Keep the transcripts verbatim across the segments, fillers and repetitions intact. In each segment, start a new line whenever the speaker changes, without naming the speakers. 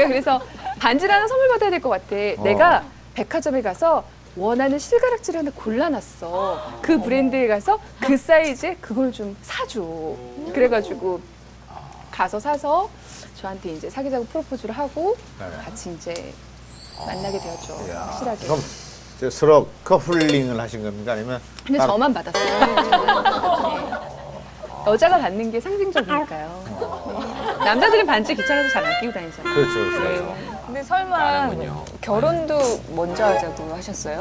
그래서 반지를 하나 선물 받아야 될 것 같아.
어.
내가 백화점에 가서 원하는 실가락지를 하나 골라놨어. 그 브랜드에 가서 그 사이즈에 그걸 좀 사줘. 그래가지고 가서 사서 저한테 이제 사귀자고 프로포즈를 하고
네.
같이 이제 만나게 되었죠.
이야,
확실하게.
그럼 저 서로 커플링을 하신 겁니까? 아니면
근데
따로-
저만 받았어요. 네. 여자가 받는 게 상징적이니까요. 네. 남자들은 반지 귀찮아서 잘 안 끼고 다니잖아요.
그렇죠, 그렇죠.
네.
근데 설마
나는군요.
결혼도 먼저 하자고 하셨어요?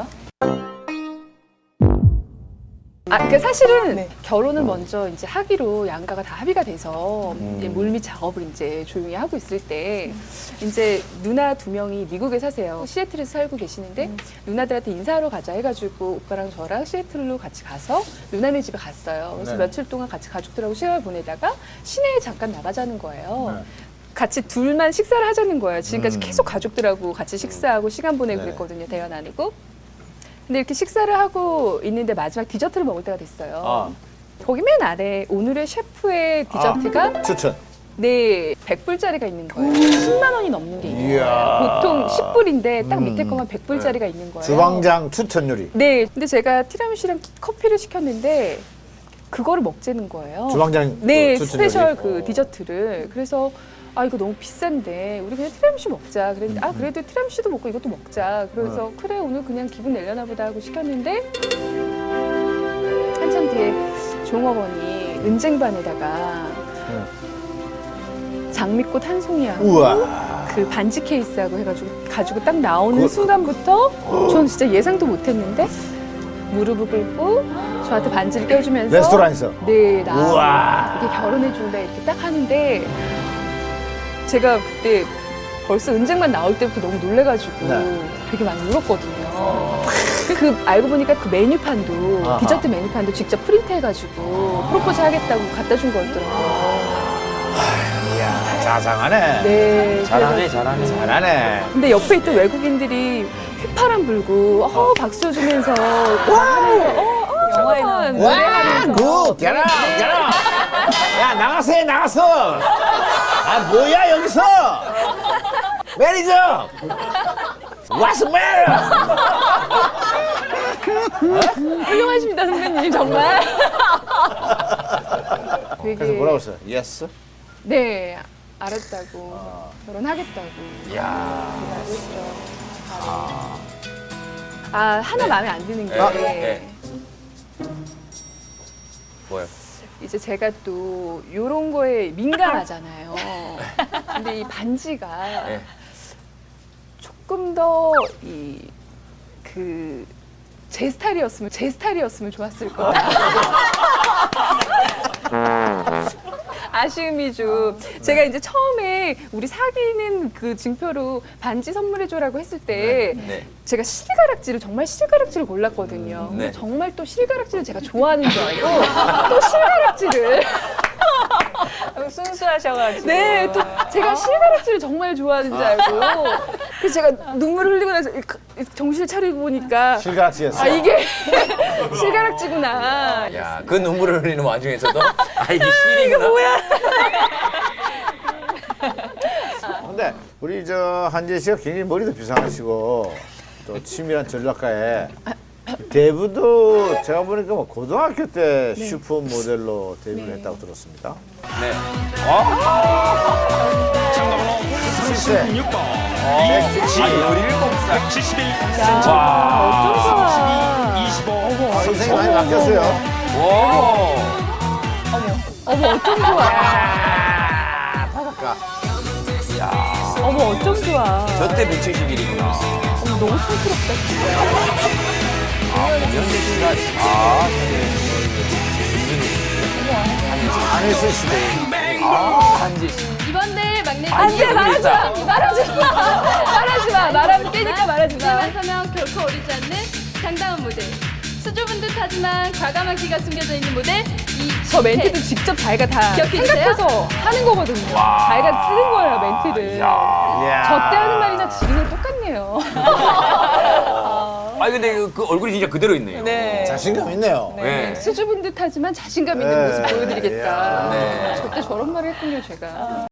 아, 그러니까 사실은
네.
결혼을 먼저 이제 하기로 양가가 다 합의가 돼서
음.
이제 물밑 작업을 이제 조용히 하고 있을 때 이제 누나 두 명이 미국에 사세요. 시애틀에서 살고 계시는데 누나들한테 인사하러 가자 해가지고 오빠랑 저랑 시애틀로 같이 가서 누나네 집에 갔어요. 그래서
네.
며칠 동안 같이 가족들하고 시간을 보내다가 시내에 잠깐 나가자는 거예요.
네.
같이 둘만 식사를 하자는 거예요. 지금까지
음.
계속 가족들하고 같이 식사하고 시간 보내고
네.
그랬거든요. 대화 나누고. 근데 이렇게 식사를 하고 있는데 마지막 디저트를 먹을 때가 됐어요.
아.
거기 맨 아래 오늘의 셰프의 디저트가
추천.
네, 백 불짜리가 있는 거예요. 십만 원이 넘는 게 있는
이야.
거예요. 보통 십 불인데 딱
음.
밑에 거만 백 불짜리가 있는 거예요.
주방장 추천 요리.
네, 근데 제가 티라미슈랑 커피를 시켰는데 그거를 먹자는 거예요.
주방장
네,
그 추천
스페셜
요리.
그
어.
디저트를. 그래서 아 이거 너무 비싼데 우리 그냥 티라미슈 먹자. 그랬는데 아 그래도 티라미슈도 먹고 이것도 먹자. 그래서 그래 오늘 그냥 기분 내려나 보다 하고 시켰는데 한참 뒤에 종업원이 은쟁반에다가 장미꽃 한 송이하고
우와.
그 반지 케이스하고 해가지고 가지고 딱 나오는
그거-
순간부터 전 진짜 예상도 못했는데 무릎을 꿇고 저한테 반지를 껴주면서
레스토랑에서.
네, 나
우와.
이렇게 결혼해 줄래 이렇게 딱 하는데 제가 그때 벌써 은쟁반 나올 때부터 너무 놀래가지고
네.
되게 많이 울었거든요. 그 알고 보니까 그 메뉴판도
아하.
디저트 메뉴판도 직접 프린트해가지고 프로포즈 하겠다고 갖다 준 거였더라고요.
이야, 자상하네.
네.
잘하네, 잘하네.
잘하네.
근데 옆에 있던 외국인들이 휘파람 불고 어, 박수 주면서 와 하면서 어, 어,
영화에
잠깐만,
나오는
노래하면서
굿, get out, get out. 야, 나가서 나갔어. 아, 뭐야, 여기서. 매니저. What's the matter?
훌륭하십니다 선배님 정말. 되게
그래서 뭐라고 했어요? Yes?
네 알았다고
아.
결혼하겠다고
이야.
그랬죠. 아 하나 마음에 안 드는 게
네, 네. 뭐요?
이제 제가 또 요런 거에 민감하잖아요. 근데 이 반지가
네.
조금 더 이 그 제 스타일이었으면 제 스타일이었으면 좋았을 거예요. 아쉬움이 좀. 제가 이제 처음에 우리 사귀는 그 증표로 반지 선물해줘라고 했을 때
네.
제가 실가락지를 정말 실가락지를 골랐거든요. 근데
네.
정말 또 실가락지를 제가 좋아하는 줄 알고 또 실가락지를
순수하셔가지고.
네, 또 제가 실가락지를 정말 좋아하는 줄 알고 그래서 제가 눈물을 흘리고 나서 이- 이- 정신을 차리고 보니까
실가락지였어.
아 이게 실가락지구나.
야, 그 눈물을 흘리는 와중에서도 아 이게 실이구나. 뭐야?
근데 우리 저 한재 씨가 굉장히 머리도 비상하시고 또 치밀한 전략가에 데뷔도 제가 보니까 뭐 고등학교 때 슈퍼 모델로 데뷔를
네.
했다고 들었습니다.
네.
칠 세.
아, 열일곱 살.
야, 어쩜 좋아.
아, 선생님 많이 바뀌었어요.
와.
어머 어쩜 좋아.
바닷가.
어머 어쩜 좋아.
저때 백칠십일이구나.
어머, 너무 촌스럽다 진짜.
연재 씨가 아,
안했을 수도.
아, 한지 씨.
이번 대회 막내
안돼 말하지 마.
그랬다.
말하지 마. 말하지 마. 말하면 깨니까 말하지 마.
무대만 서면 결코 어리지 않는 당당한 모델. 수줍은 듯하지만 과감한 기가 숨겨져 있는 모델
저
이채.
멘트도 직접 자기가 다
기억해
생각해서 하는 거거든요. 자기가 쓰는 거예요 멘트를.
이야.
저 때 하는 말이나 지금은 똑같네요.
아, 근데 그, 그 얼굴이 진짜 그대로 있네요.
네.
자신감 있네요.
네.
수줍은 듯하지만 자신감 있는
네.
모습 보여드리겠다.
네.
저때 저런 말을 했군요 제가.